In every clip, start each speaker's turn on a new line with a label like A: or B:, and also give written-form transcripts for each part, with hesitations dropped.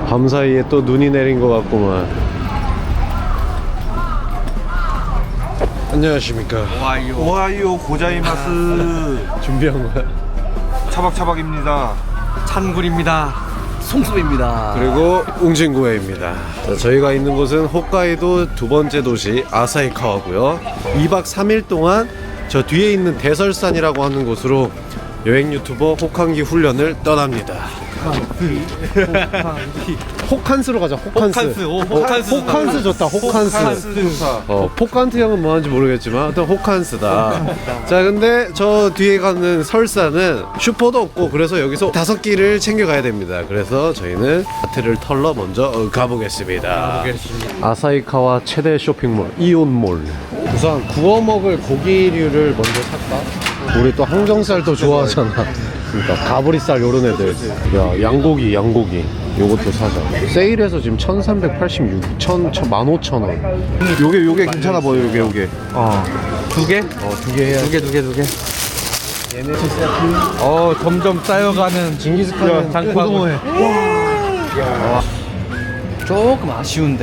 A: 밤사이에 또 눈이 내린 것 같구만. 안녕하십니까.
B: 오하이오 고자이마스.
A: 준비한 거야?
B: 차박차박입니다.
C: 찬굴입니다. 송수입니다.
A: 그리고 웅진구에입니다. 자, 저희가 있는 곳은 홋카이도 두 번째 도시 아사히카와고요. 2박 3일 동안 저 뒤에 있는 대설산이라고 하는 곳으로 여행 유튜버 호캉기 훈련을 떠납니다. 호칸스로 가자. 호칸스. 호칸스 좋다. 호칸스. 포칸트 형은 뭐 하는지 모르겠지만 하여튼 호칸스다. 자, 근데 저 뒤에 가는 설산은 슈퍼도 없고 그래서 여기서 5끼를 챙겨가야 됩니다. 그래서 저희는 마트를 털러 먼저 가보겠습니다. 아사히카와 최대 쇼핑몰 이온몰. 우선 구워 먹을 고기류를 먼저 살까? 우리 또 항정살도 좋아하잖아. 그러니까 가브리살 요런 애들. 야, 양고기 요것도 사자. 세일해서 지금 1386, 15,000원.
B: 요게 괜찮아 보여. 요게.
C: 두 개?
A: 두 개 해야.
C: 두 개. 점점 쌓여가는
A: 징기스칸은
C: 장고등어회. 조금 아쉬운데.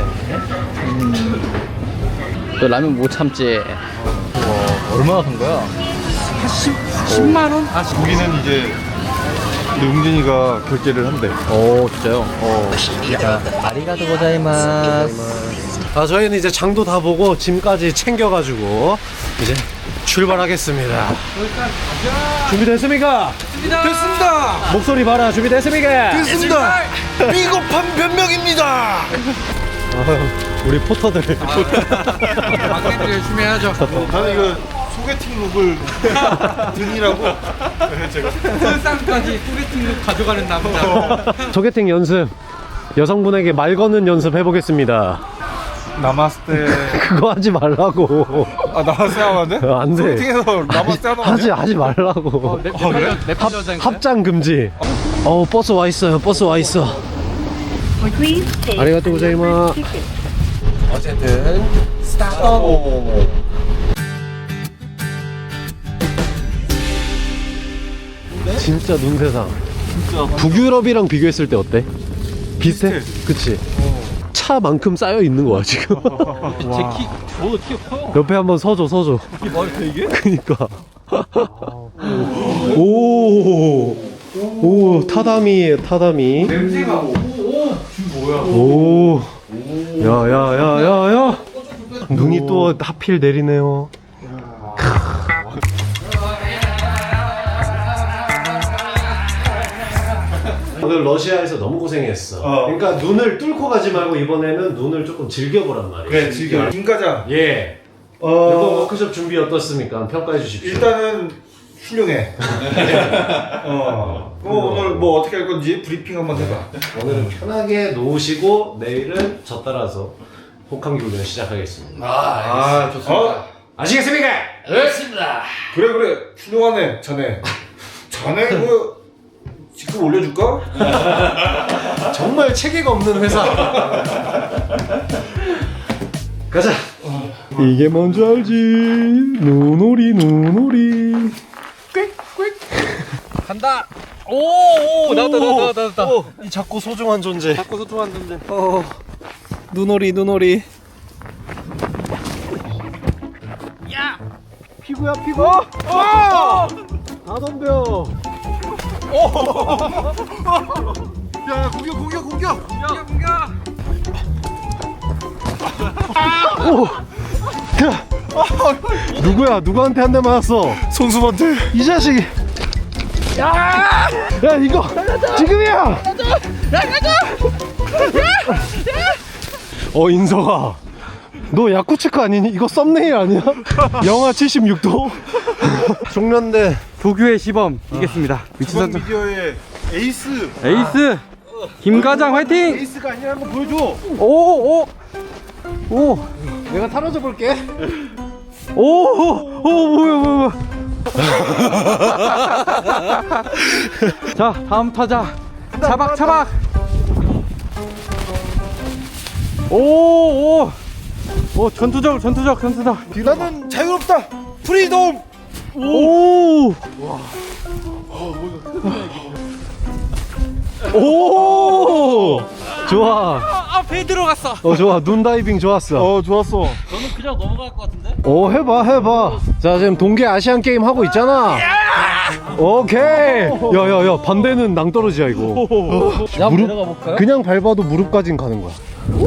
C: 너 라면 못 참지. 얼마나 산 거야? 10만 원?
B: 고기는 이제 우리 웅진이가 결제를 한대.
C: 진짜요? 자, 아리가토 고자이마스.
A: 저희는 이제 장도 다 보고 짐까지 챙겨가지고 이제 출발하겠습니다. 준비됐습니까?
B: 됐습니다.
A: 목소리 봐라. 준비됐습니까?
B: 됐습니다. 비겁한 변명입니다.
A: 우리 포터들.
C: 막내들 열심히 해야죠.
B: 나는 이거 소개팅 룩을 등이라고.
C: 설상까지 소개팅룩 가져가는 남자.
A: 소개팅 연습. 여성분에게 말 거는 연습 해보겠습니다.
B: 나마스테.
A: 그거 하지 말라고.
B: 나마스테 하면 안 돼?
A: 안 돼.
B: 소개팅에서 나마스테 하면 안 돼?
A: 하지 말라고.
C: 내
A: 합장 금지. 버스 와 있어요. 버스 와 있어. 아리가또 고자이마.
B: 어쨌든 스타트.
A: 진짜 눈세상. 북유럽이랑 비교했을 때 어때? 비슷해? 그치? 차만큼 쌓여 있는 거야 지금.
C: 저도 키가 커요.
A: 옆에 한번 서줘.
C: 이게 말이 돼 이게?
A: 그니까. 오, 타다미에요, 타다미.
C: 냄새가
A: 오, 야. 눈이 또 하필 내리네요. 오늘 러시아에서 너무 고생했어. 그러니까 눈을 뚫고 가지 말고 이번에는 눈을 조금 즐겨보란 말이야.
B: 그래, 즐겨. 김과장.
A: 예. 이번 워크숍 준비 어떻습니까? 평가해 주십시오.
B: 일단은 훌륭해. 오늘 뭐 어떻게 할 건지 브리핑 한번 해봐.
A: 오늘은 편하게 놓으시고 내일은 저 따라서 호캉기 훈련 시작하겠습니다.
B: 좋습니다.
A: 아시겠습니까?
B: 그래, 훌륭하네, 자네. 자네 그 직급 올려줄까?
A: 정말 체계가 없는 회사. 가자. 이게 뭔지 알지? 눈오리.
C: 간다. 오, 나왔다.
A: 이 작고 소중한 존재.
C: 자꾸 소통한 건데.
A: 눈오리.
C: 야,
A: 피구야, 피구. 다 덤벼.
B: 야, 공격!
C: 공격.
A: 누구야? 누구한테 한 대 맞았어?
B: 송수한테.
A: 이 자식이. 야, 이거 지금이야. 인서가. 너 야쿠츠크 아니니? 이거 썸네일 아니야? 영하 76도? 중년대
C: 도교의 시범 이겼습니다.
B: 주방 미디어의 에이스.
C: 에이스 김과장 화이팅!
B: 에이스가 아니라는 거 보여줘.
C: 오,
A: 내가 타로져 볼게.
C: 뭐야. 자, 다음 타자. 차박. 오, 전투적.
B: 나는 자유롭다. 프리덤.
C: 오,
A: 좋아.
C: 배 들어갔어.
A: 좋아. 눈 다이빙 좋았어.
B: 좋았어.
C: 저는 그냥 넘어갈 것 같은데?
A: 해봐. 자, 지금 동계 아시안 게임 하고 있잖아. 오케이. 야, 반대는 낭떠러지야, 이거.
C: 야, 한번 내려가 볼까요?
A: 그냥 밟아도 무릎까진 가는 거야.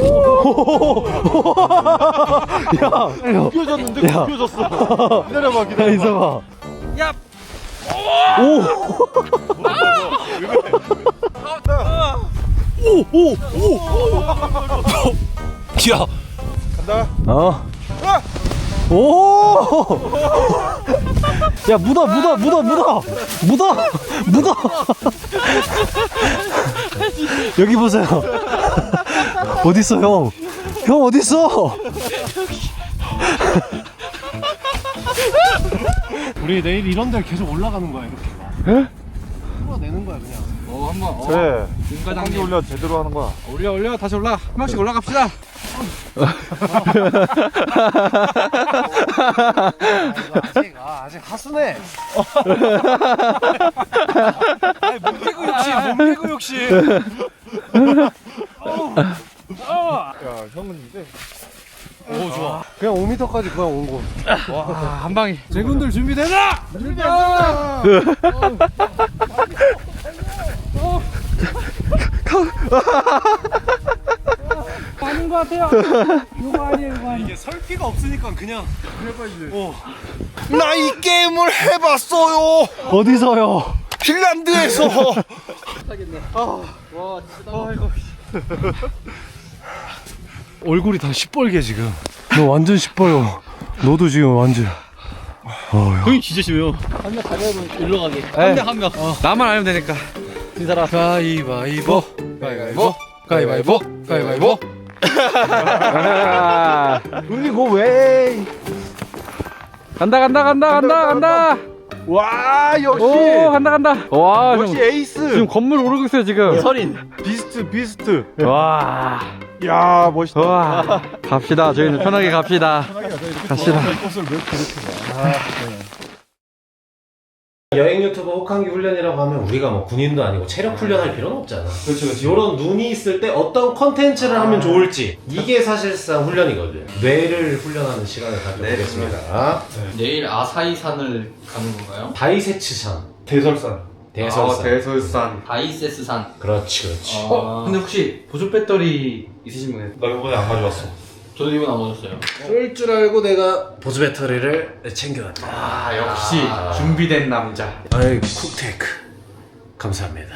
A: 야,
B: 굽혀졌는데
A: 야.
B: 굽혀졌어. 기다려봐,
A: 야,
B: 기다려봐.
A: 있어봐.
C: 야!
A: 야.
B: 간다.
A: 오! 야, 묻어. 여기 보세요. 어딨어, 형? 형, 어딨어? 우리 내일 이런 데 계속 올라가는 거야, 이렇게. 에? 풀어내는 거야, 그냥.
C: 한번.
B: 그래.
C: 윤과장님.
B: 한개 올려 제대로 하는 거야.
C: 올려. 다시 올라. 한 명씩 올라갑시다.
A: 아직 하수네.
C: 몸매고 욕심.
B: 야, 형은 근데
C: 오, 좋아.
A: 그냥 5m까지 그냥 온 거.
C: 와, 한 방에.
A: 제군들 준비되나?
C: 준비됐습니다. 아닌 것 같아요. 이거 아니에요.
A: 이게 설기가 없으니까 그냥 해봐야지.
B: 나 이 게임을 해봤어요.
A: 어디서요?
B: 핀란드에서.
C: 와, 진짜.
A: 얼굴이 다 시뻘게 지금. 너 완전 시뻘요. 너도 지금 완전.
C: 형이 진짜 심해요. 한 명 가면 일로 가게. 한 명. 나만 알면 되니까. 이 사람.
A: 가위바위보. 가위바위보. 우리 고 왜?
C: 간다.
B: 와, 역시.
C: 오, 간다. 와, 형.
B: 역시 에이스.
C: 지금 건물 오르고 있어요, 지금. 서린.
B: 비스트.
C: 와.
B: 야, 멋있다.
C: 와. 갑시다. 저희는 편하게 갑시다. 갑시다.
A: 여행 유튜버 혹한기 훈련이라고 하면 우리가 뭐 군인도 아니고 체력 훈련할 필요는 없잖아. 그렇죠. 이런 눈이 있을 때 어떤 컨텐츠를 하면 좋을지 이게 사실상 훈련이거든. 뇌를 훈련하는 시간을 가져보겠습니다.
C: 내일 아사히산을 가는 건가요?
A: 다이세츠산,
B: 대설산.
A: 대설산.
C: 다이세스산.
A: 그렇지.
C: 근데 혹시 보조 배터리 있으신 분?
B: 나 이번에 안 가져왔어.
C: 저도 이번 안 얻었어요.
A: 쏠 줄 알고 내가 보조 배터리를 챙겨왔다.
C: 아, 역시 준비된 남자.
A: 아이 쿡테크 감사합니다.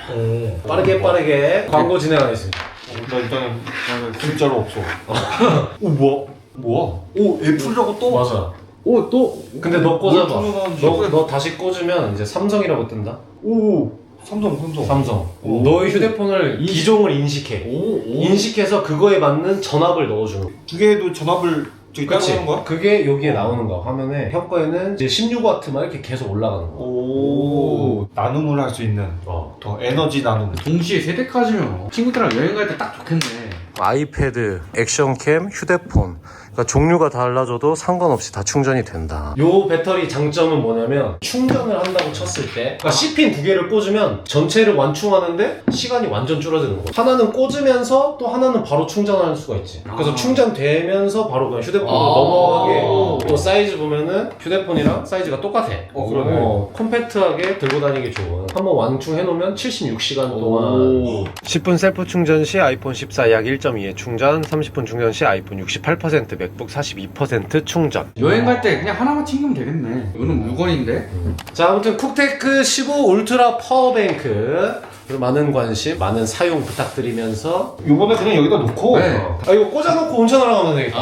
A: 빠르게 광고 진행하겠습니다.
B: 나 일단은 진짜로 없어. 오, 뭐야? 오, 애플이라고 또?
A: 맞아. 오 또 근데 너 꽂아봐.
B: 너
A: 너 다시 꽂으면 이제 삼성이라고 뜬다.
B: 오, 삼성. 오.
A: 너의 휴대폰을 기종을 인식해. 인식해서 그거에 맞는 전압을 넣어주는.
B: 두 개도 전압을 저기 따로
A: 그치?
B: 하는 거야?
A: 그게 여기에 나오는 거야. 화면에 형 거에는 이제 16W만 이렇게 계속 올라가는 거야.
B: 오, 나눔을 할 수 있는 더 에너지 나눔.
C: 동시에 세대까지면 친구들이랑 여행 갈 때 딱 좋겠네.
A: 아이패드, 액션캠, 휴대폰. 그러니까 종류가 달라져도 상관없이 다 충전이 된다. 요 배터리 장점은 뭐냐면 충전을 한다고 쳤을 때 그러니까 C핀 두 개를 꽂으면 전체를 완충하는데 시간이 완전 줄어드는 거야. 하나는 꽂으면서 또 하나는 바로 충전할 수가 있지. 그래서 충전되면서 바로 그냥 휴대폰으로 넘어가게. 또 사이즈 보면은 휴대폰이랑 사이즈가 똑같아.
B: 그러네.
A: 컴팩트하게 들고 다니기 좋은. 한번 완충해 놓으면 76시간 동안 10분 셀프 충전 시 아이폰 14 약 1.2의 충전, 30분 충전 시 아이폰 68%, 맥북 42% 충전.
C: 여행 갈 때 그냥 하나만 챙기면 되겠네. 이거는 물건인데.
A: 자, 아무튼 쿡테크 15 울트라 파워뱅크 그리고 많은 관심, 많은 사용 부탁드리면서
B: 요번에 그냥 여기다 놓고.
C: 네.
A: 이거 꽂아놓고 온천하러 가면 되겠다.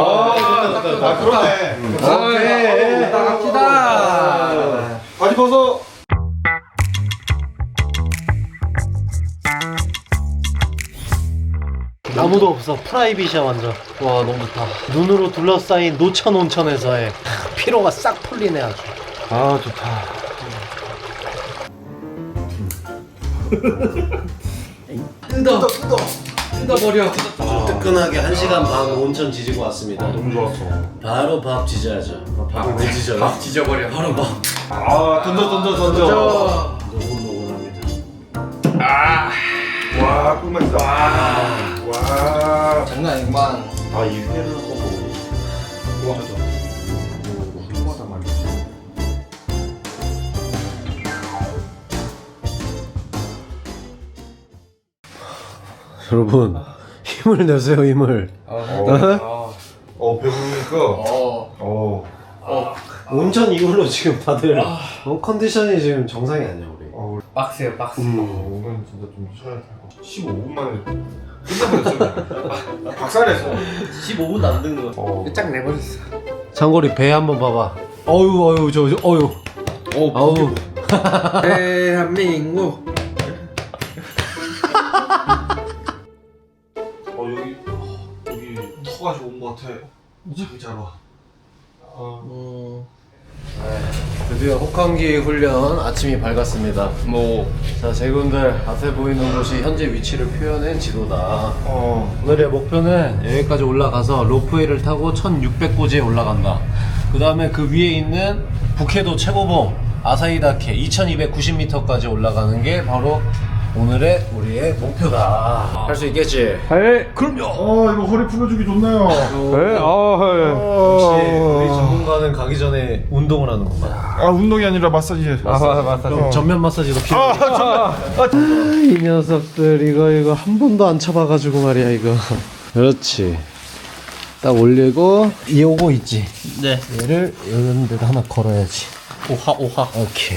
B: 아, 그러네.
A: 오케이.
C: 갑시다.
B: 바지 벗어.
A: 아무도 없어. 프라이빗이야 완전. 와 너무 좋다. 눈으로 둘러싸인 노천 온천에서의 피로가 싹 풀리네 아주.
B: 아, 좋다.
C: 뜯어버려.
A: 뜨끈하게 1시간 반 온천 지지고 왔습니다.
B: 너무 좋았어.
A: 바로 밥 지져야죠. 밥을 왜 지져요?
C: 밥 지져버려.
A: 바로 밥.
B: 아, 던져.
A: 노곤노곤합니다.
B: 와, 와, 꿀맛이다. 와.
D: 장난 아니구만.
B: 아, 이 회를 먹고. 와, 맞아. 꿀맛한 말이지.
A: 여러분 힘을 내세요 힘을.
B: 배부르니까.
A: 온천 이후로 지금 다들 컨디션이 지금 정상이 아니야 우리.
D: 빡세요, 빡세.
B: 오늘 진짜 좀 쉬어야 돼. 15분 만에 끝나버렸어. 박살냈어.
D: 15분도 안 된 거. 쫙 내버렸어.
A: 장거리 배 한번 봐봐. 어유 어유. 어우.
D: 대한민국.
B: 여기 터가 좋은 것 같아. 자기 잘 와.
A: 드디어 혹한기 훈련 아침이 밝았습니다. 자 제군들 앞에 보이는 곳이 현재 위치를 표현한 지도다. 오늘의 목표는 여기까지 올라가서 로프웨이를 타고 1600고지에 올라간다. 그 다음에 그 위에 있는 북해도 최고봉 아사히다케 2290m까지 올라가는 게 바로 오늘의 우리의 목표다. 할 수 있겠지?
B: 그럼요. 이거 허리 풀어주기 좋네요.
A: 역시 우리 전문가는 가기 전에 운동을 하는구만.
B: 운동이 아니라 마사지.
A: 그럼 전면 마사지도 필요해. 이 녀석들 이거 한 번도 안 쳐봐가지고 말이야 이거. 그렇지. 딱 올리고 요거 있지.
D: 네.
A: 얘를 이런 데다 하나 걸어야지.
D: 오하.
A: 오케이.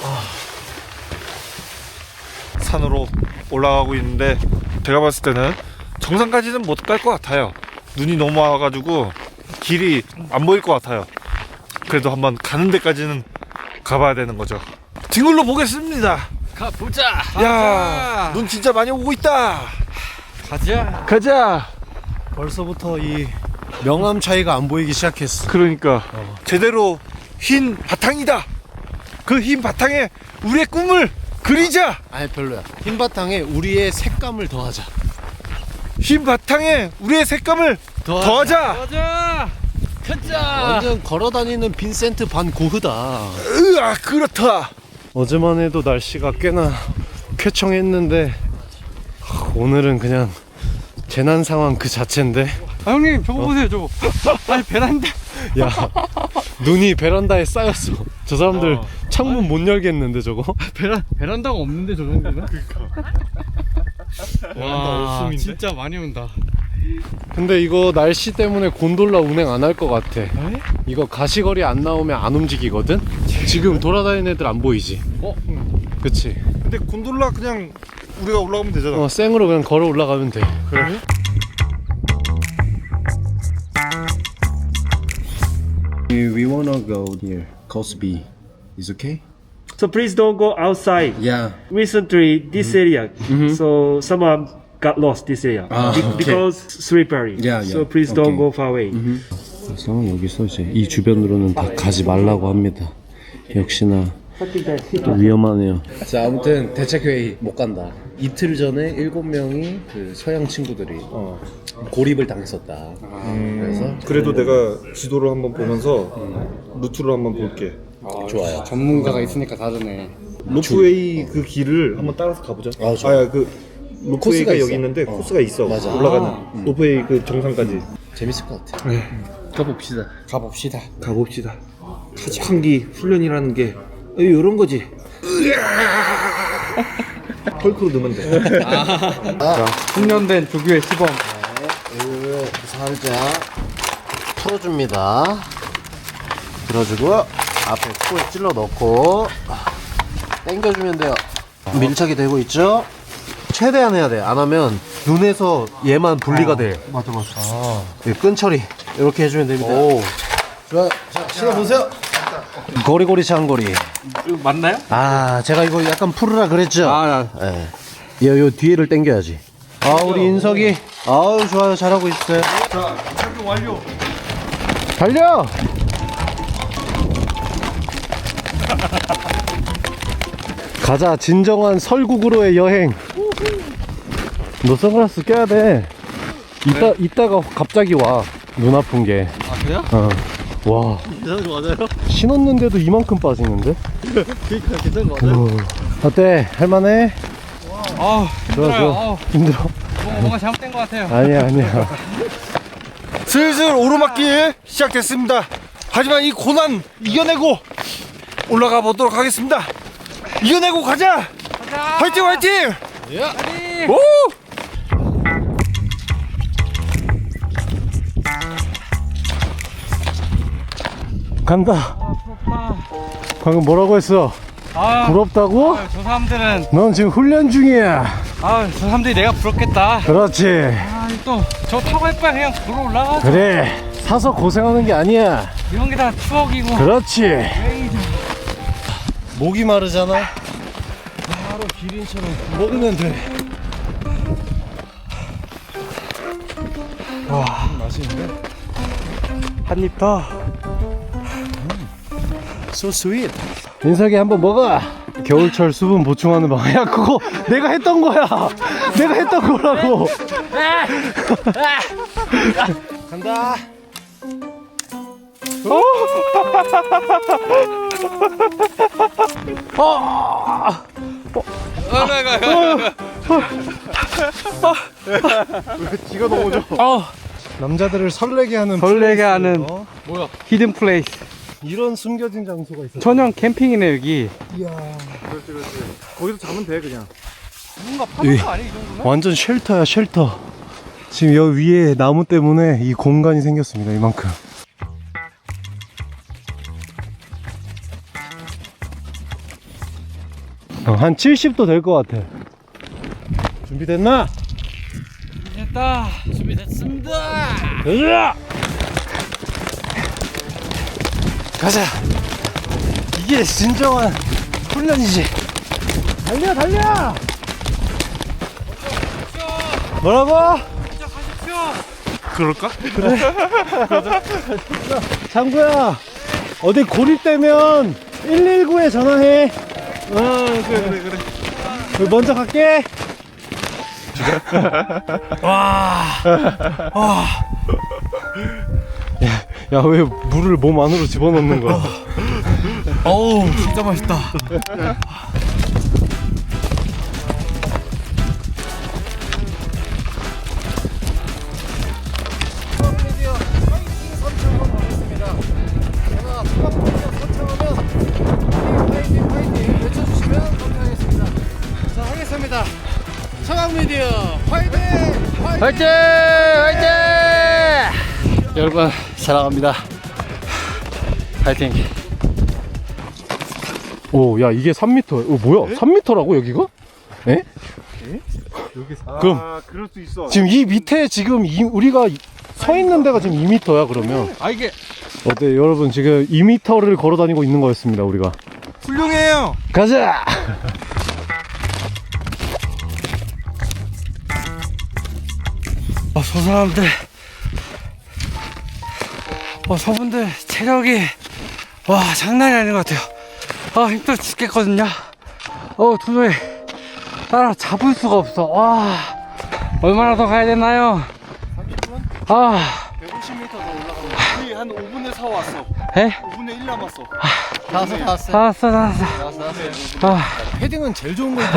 B: 산으로 올라가고 있는데 제가 봤을 때는 정상까지는 못 갈 것 같아요. 눈이 너무 와가지고 길이 안 보일 것 같아요. 그래도 한번 가는 데까지는 가봐야 되는 거죠. 뒷걸로 보겠습니다.
C: 가보자.
B: 야, 눈 진짜 많이 오고 있다.
C: 가자.
A: 벌써부터 이 명암 차이가 안 보이기 시작했어.
B: 그러니까 제대로 흰 바탕이다. 그 흰 바탕에 우리의 꿈을 그리자.
A: 아니 별로야. 흰 바탕에 우리의 색감을 더하자.
B: 흰 바탕에 우리의 색감을 더하자.
C: 가자.
A: 완전 걸어다니는 빈센트 반 고흐다.
B: 으아, 그렇다.
A: 어제만 해도 날씨가 꽤나 쾌청했는데 오늘은 그냥 재난 상황 그 자체인데.
C: 형님 저거 보세요 저거. 아니 베란다.
A: 야 눈이 베란다에 쌓였어. 저 사람들 창문 못 열겠는데 저거.
C: 베란다가 없는데 저 정도면? 와
B: 없음인데?
C: 진짜 많이 온다.
A: 근데 이거 날씨 때문에 곤돌라 운행 안 할 것 같아. 이거 가시거리 안 나오면 안 움직이거든? 지금 돌아다니는 애들 안 보이지? 그치?
B: 근데 곤돌라 그냥 우리가 올라가면 되잖아.
A: 생으로 그냥 걸어 올라가면 돼.
B: 그래?
A: We wanna go here. Coast B. Is okay?
E: So please don't go outside.
A: Yeah.
E: Recently, this area, so someone got lost this area
A: okay.
E: because slippery.
A: Yeah,
E: So
A: yeah.
E: please don't go far away.
A: 그래서 여기서 이제 이 주변으로는 다 가지 말라고 합니다. 역시나 또 위험하네요. 자 아무튼 대책회의 못 간다. 이틀 전에 7명이 그 서양 친구들이 고립을 당했었다. 그래서
B: 그래도 내가 지도를 한번 보면서 루트를 한번 볼게.
A: 좋아요.
D: 전문가가 있으니까 다르네.
B: 로프웨이 그 길을 한번 따라서 가보자.
A: 좋아.
B: 그
A: 코스가
B: 로프웨이가
A: 있어.
B: 여기 있는데 코스가 있어.
A: 맞아.
B: 올라가는 로프웨이 그 정상까지.
A: 재밌을 것 같아.
D: 가봅시다.
B: 가봅시다. 혹한기 훈련이라는 게 이런 거지. 헐크로 넣으면 돼.
C: 훈련된 조교의 시범.
A: 이거를 살짝 풀어줍니다. 들어주고 앞에 코에 찔러 넣고 당겨주면 돼요. 밀착이 되고 있죠? 최대한 해야 돼. 안 하면 눈에서 얘만 분리가 돼.
D: 맞아.
A: 끈 처리 이렇게 해주면 됩니다. 좋아요. 자, 신어보세요. 고리고리 장고리.
C: 이거 맞나요?
A: 아, 제가 이거 약간 풀으라 그랬죠? 예. 요 뒤에를 당겨야지. 우리 인석이. 아우, 좋아요. 잘하고 있어요.
B: 자, 착용 완료.
A: 달려! 가자, 진정한 설국으로의 여행. 너 선글라스 껴야 돼. 이따가 갑자기 와. 눈 아픈 게.
C: 그래요?
A: 와.
C: 괜찮은 거 맞아요?
A: 신었는데도 이만큼 빠지는데?
C: 그니까 괜찮은 거 맞아요?
A: 어때? 할만해?
C: 힘들어요.
A: 힘들어.
C: 뭔가 잘못된 것 같아요.
A: 아니야.
B: 슬슬 오르막길 시작됐습니다. 하지만 이 고난 이겨내고 올라가 보도록 하겠습니다. 이겨내고 가자. 화이팅 화이팅. 오!
A: 간다. 방금 뭐라고 했어? 부럽다고?
C: 저 사람들은
A: 넌 지금 훈련 중이야.
C: 저 사람들이 내가 부럽겠다.
A: 그렇지.
C: 또 저 타고 할 바에 그냥 걸어 올라가.
A: 그래. 사서 고생하는 게 아니야.
C: 이런 게 다 추억이고.
A: 그렇지. 목이 마르잖아. 바로 기린처럼 먹으면 돼. 와, 맛있는데? 한 입 더. So sweet. 민석이 한번 먹어. 겨울철 수분 보충하는 방. 야, 그거 내가 했던 거야. 내가 했던 거라고. 간다. 지가 넘어져. 남자들을 설레게 하는
C: 히든 플레이스.
A: 이런 숨겨진 장소가 있어.
C: 전용 캠핑이네 여기.
B: 거기서 자면 돼 그냥.
C: 뭔가 파는 거 아니야 이 정도면?
A: 완전 쉘터야, 쉘터. 지금 여기 위에 나무 때문에 이 공간이 생겼습니다. 이만큼. 한 70도 될 것 같아. 준비됐나?
C: 됐다. 준비됐습니다.
A: 가자! 가자! 이게 진정한 훈련이지. 달려, 달려! 뭐라고?
B: 그럴까?
A: 장구야, 어디 고립되면 119에 전화해. 그래. 먼저 갈게. 야, 왜 물을 몸 안으로 집어넣는 거야?
C: 어우 진짜 맛있다.
A: 청학미디어 화이팅!
C: 화이팅! 화이팅! 여러분 사랑합니다. 화이팅!
A: 오, 야, 이게 3m. 뭐야? 3m라고 여기가? 에? 그럼
B: 그럴 수 있어.
A: 지금 이 밑에 지금 우리가 서 있는 데가 지금 2m야 그러면.
C: 이게
A: 어때 여러분, 지금 2m를 걸어 다니고 있는 거였습니다 우리가.
B: 훌륭해요.
A: 가자.
C: 저 사람들 저분들 체력이 장난이 아닌 것 같아요. 힘들어 죽겠거든요. 도저히 따라 잡을 수가 없어. 얼마나 더 가야 되나요?
B: 150m 더 올라가면 우리 한 5분의 4 왔어.
C: 에?
B: 5분의 1 남았어.
C: 나왔어.
A: 헤딩은 제일 좋은 거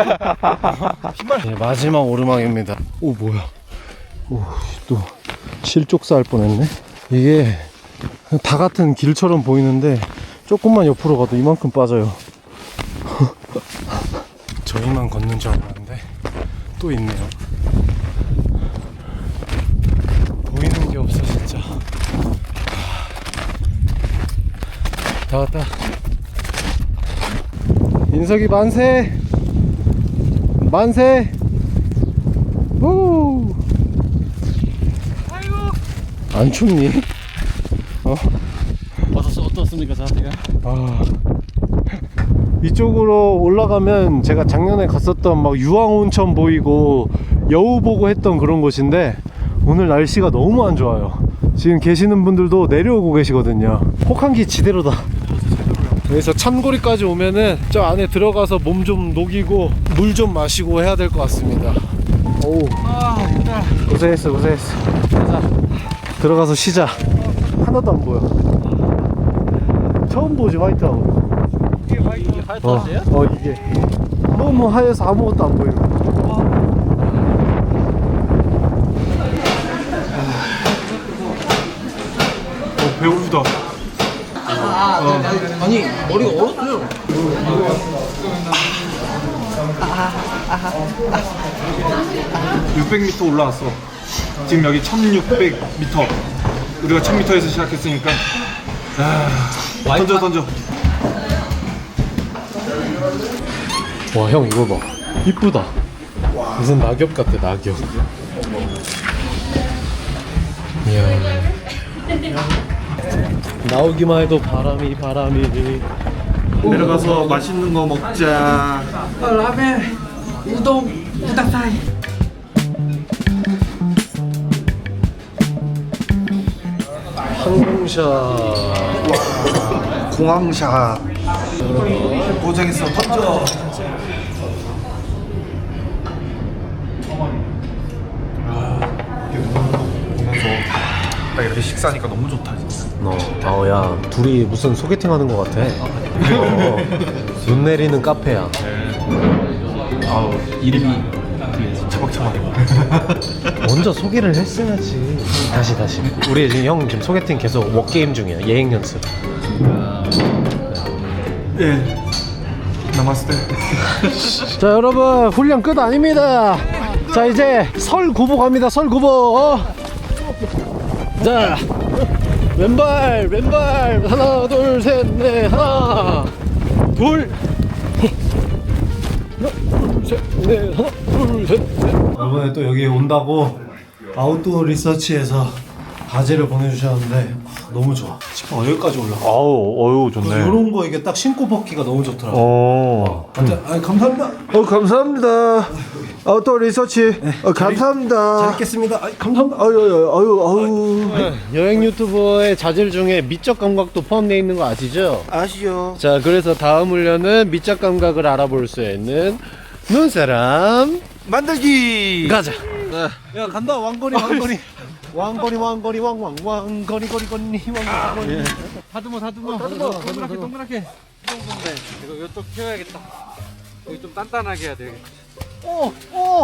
A: 네, 마지막 오르막입니다. 오, 뭐야? 오, 또 실족사 할 뻔했네. 이게 다 같은 길처럼 보이는데 조금만 옆으로 가도 이만큼 빠져요. 저희만 걷는 줄 알았는데 또 있네요. 보이는 게 없어 진짜. 다 왔다. 인석이 만세! 만세! 우! 안 춥니?
C: 어떻습니까 상태가?
A: 이쪽으로 올라가면 제가 작년에 갔었던 막 유황온천 보이고 여우 보고 했던 그런 곳인데 오늘 날씨가 너무 안 좋아요. 지금 계시는 분들도 내려오고 계시거든요. 혹한기 지대로다. 여기서 찬고리까지 오면은 저 안에 들어가서 몸 좀 녹이고 물 좀 마시고 해야 될 것 같습니다. 오,
C: 힘들어.
A: 고생했어. 가자. 들어가서 쉬자. 하나도 안 보여. 처음 보지 화이트하고.
C: 이게 화이트하우스예요?
A: 이게 너무 하얘서 아무것도 안 보이네.
B: 배고프다.
C: 아니 머리가 얼었어요.
B: 600m 올라왔어. 지금 여기 1600m. 우리가 1000m에서 시작했으니까. 던져.
A: 와, 형 이거 봐. 이쁘다. 무슨 낙엽 같아, 낙엽. 이야. 나오기만 해도 바람이.
B: 내려가서 맛있는 거 먹자.
C: 라멘, 우동, 우다사이.
A: 항공샷.
B: 공항샷. 고생했어. 던져. 딱 이렇게 식사하니까 너무 좋다 진짜.
A: 야, 둘이 무슨 소개팅 하는 것 같아. 눈 내리는 카페야.
C: 이름이
B: 차박차박.
A: 먼저 소개를 했어야지. 다시. 우리 지금 형 소개팅 계속 워게임 중이야. 예행 연습.
B: 예. 나마스테.
A: 자, 여러분, 훈련 끝 아닙니다. 자, 이제 설구보 갑니다. 설구보. 자, 왼발 하나 둘 셋 넷 하나 둘 셋. 이번에 또 여기 온다고 아웃도어 리서치에서 바지를 보내주셨는데 너무 좋아. 지퍼 여기까지 올라가.
B: 어유 좋네.
A: 이런 거 이게 딱 신고 벗기가 너무 좋더라고. 감사합니다.
B: 감사합니다. 아웃도어 리서치. 감사합니다.
A: 잘 있겠습니다. 감사합니다. 아유. 여행 유튜버의 자질 중에 미적 감각도 포함되어 있는 거 아시죠?
B: 아시죠?
A: 자, 그래서 다음 훈련은 미적 감각을 알아볼 수 있는 눈사람
B: 만들기.
A: 가자. 야, 간다. 왕거리. 왕거리 왕거리.
C: 다듬어. 동그랗게. 이거 이쪽 펴야겠다. 여기 좀 단단하게 해야 되겠다.
A: 오.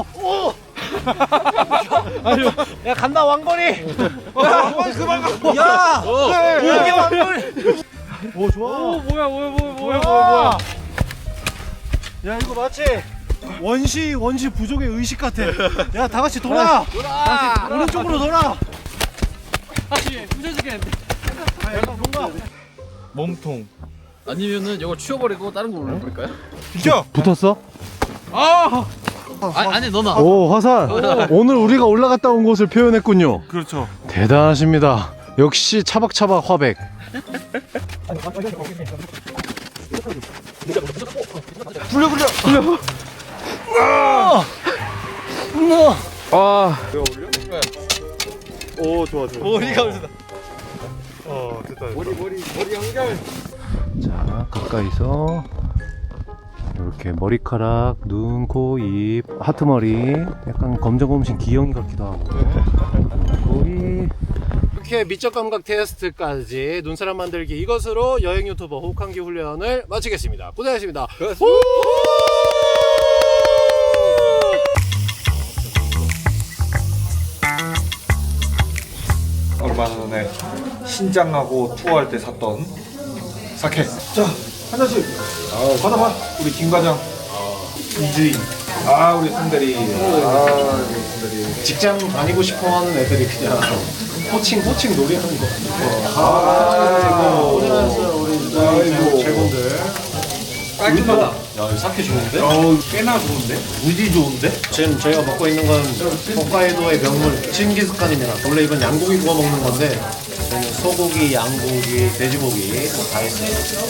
A: 야, 간다. 왕거리.
B: 그만 가.
A: 야, 이게 왕거리. 오, 좋아.
C: 오 뭐야.
A: 야, 이거 마치 원시 부족의 의식 같아. 야, 다 같이 돌아. 오른쪽으로 돌아.
C: 다시 부셔지겠는데.
A: 뭔가
B: 몸통.
C: 아니면은 이거 치워버리고 다른 거 올려버릴까요?
B: 비켜.
A: 붙었어?
C: 아니 너나.
A: 오, 화살. 오늘 우리가 올라갔다 온 곳을 표현했군요.
B: 그렇죠.
A: 대단하십니다. 역시 차박차박 화백.
B: 굴려. 오, 좋아.
C: 머리가 올라다.
B: 됐다.
C: 머리 연결.
A: 자, 가까이서 이렇게 머리카락, 눈, 코, 입, 하트머리, 약간 검정검신 기영이 같기도 하고. 코, 입. 이렇게 미적 감각 테스트까지 눈사람 만들기 이것으로 여행 유튜버 호캉기 훈련을 마치겠습니다. 고생하셨습니다.
B: 얼마 전에 신장하고 투어할 때 샀던 사케. 자, 한 잔씩. 받아봐. 우리 김 과장. 이주인. 우리 손대리.
A: 직장 다니고 싶어하는 애들이 그냥 호칭 놀이하는 거. 고생하셨어요 우리 제공들.
C: 깔끔하다.
A: 야, 이 사케 좋은데?
B: 꽤나 좋은데? 무지 좋은데?
A: 지금 저희가 먹고 있는 건 홋카이도의 명물 칭기스칸입니다. 원래 이건 양고기 구워 먹는 건데 저희는 소고기, 양고기, 돼지고기 다 있어요.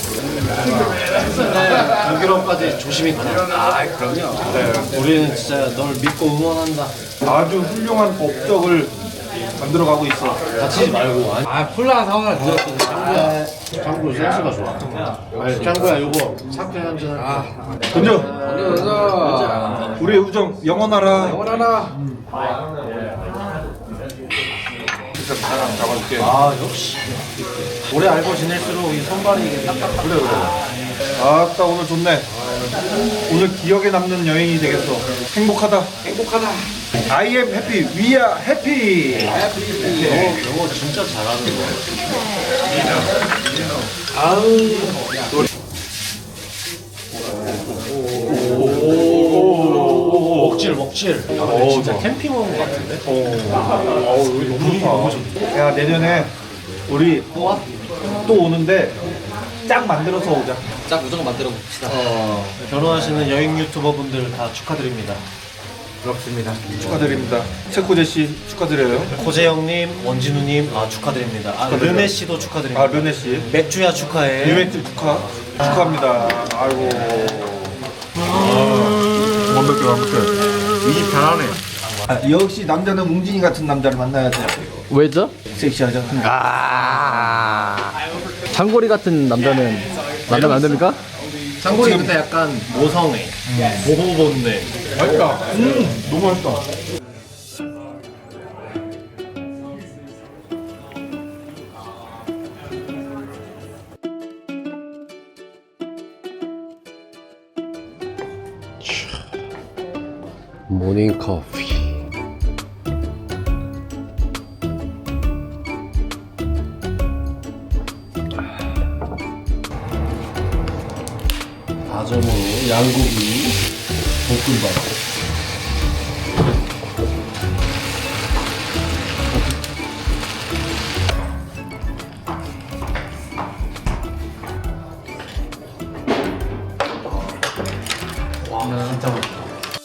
A: 북유럽까지 조심히 가라.
B: 그럼요.
A: 네, 우리는 진짜 널 믿고 응원한다.
B: 아주 훌륭한 법적을 만들어가고 있어.
A: 다치지 말고.
C: 콜라 사오나 드렸어.
A: 장구 센스가 좋아. 아니, 장구야, 요거 사케 한잔 할게.
B: 던져. 우리의 우정 영원하라. 진짜 나랑 잡아줄게.
A: 역시. 오래 알고 지낼수록 이 손발이 이게 딱딱.
B: 그래. 아따 오늘 좋네. 오늘 기억에 남는 여행이 되겠어. 행복하다. 행복하다. I am happy. We are happy.
A: 영어 진짜 잘하는 거야. 먹질. 진짜 캠핑 온 것 같은데?
B: 여기 너무 좋다. 야, 내년에 우리 또 오는데 짝 만들어서 오자.
C: 짝 무조건 만들어 봅시다.
A: 결혼하시는 여행 유튜버 분들 다 축하드립니다.
D: 부럽습니다.
B: 축하드립니다. 체코제 씨 축하드려요.
A: 고재영님, 원진우님 축하드립니다. 르네 씨도 축하드립니다.
B: 아, 면회 씨.
A: 맥주야 축하해.
B: 유명팀 축하합니다. 아이고. 완벽해. 이 잘하네. 역시 남자는 웅진이 같은 남자를 만나야 돼.
C: 왜죠?
B: 섹시하잖아.
C: 장거리 같은 남자는 만나면 안 됩니까?
A: 장고리 근데 약간 모성애, 보호본능.
B: 맛있다. 너무 맛있다.
A: 모닝 커피. 다져먹은 양고기 볶음밥. 와, 진짜 맛있다.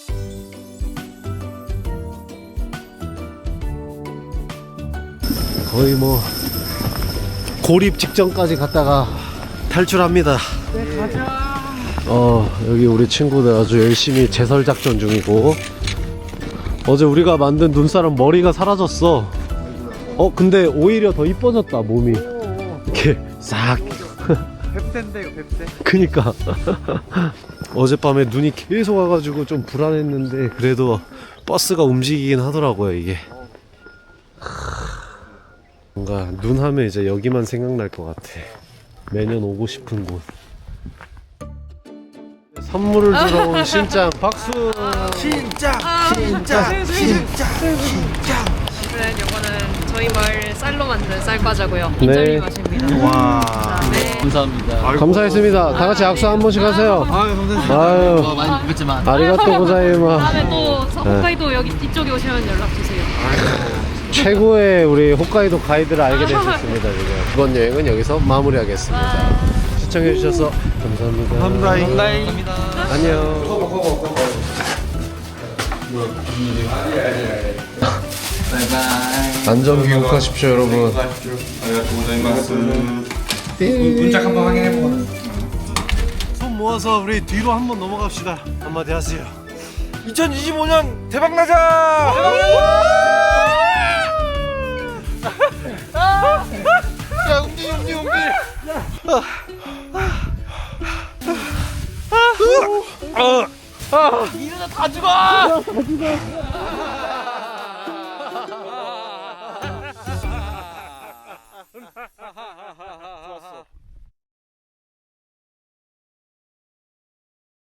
A: 거의 뭐 고립 직전까지 갔다가 탈출합니다. 네, 가자. 여기 우리 친구들 아주 열심히 제설 작전 중이고, 어제 우리가 만든 눈사람 머리가 사라졌어. 근데 오히려 더 이뻐졌다, 몸이. 이렇게 싹.
B: 뱁새인데 이거 뱁새.
A: 그니까. 어젯밤에 눈이 계속 와가지고 좀 불안했는데, 그래도 버스가 움직이긴 하더라고요, 이게. 뭔가 눈 하면 이제 여기만 생각날 것 같아. 매년 오고 싶은 곳. 선물을 주러 온 신짱 박수.
B: 진짜.
F: 오늘은 요거는 저희 마을 쌀로 만든 쌀과자고요.
A: 네.
F: 인절미 맛입니다.
B: 와.
F: 네.
C: 감사합니다.
A: 감사했습니다. 다 같이 악수 한 번씩 하세요. 아유,
C: 많이 뵙겠지만
A: 아리가또 고자이마.
F: 다음에 또 홋카이도 여기 이쪽에 오시면 연락 주세요.
A: 최고의 우리 홋카이도 가이드를 알게 되셨습니다. 지금 이번 여행은 여기서 마무리하겠습니다. 시청해주셔서 감사합니다.
B: 감사합니다.
A: 안녕. 안전 귀국하십시오, 여러분.
B: 문짝 한번 확인해보고.
A: 손 모아서 우리 뒤로 한번 넘어갑시다. 한마디 하세요.
B: 2025년 대박나자! 야, 웅진이.
C: 이러다 다 죽어.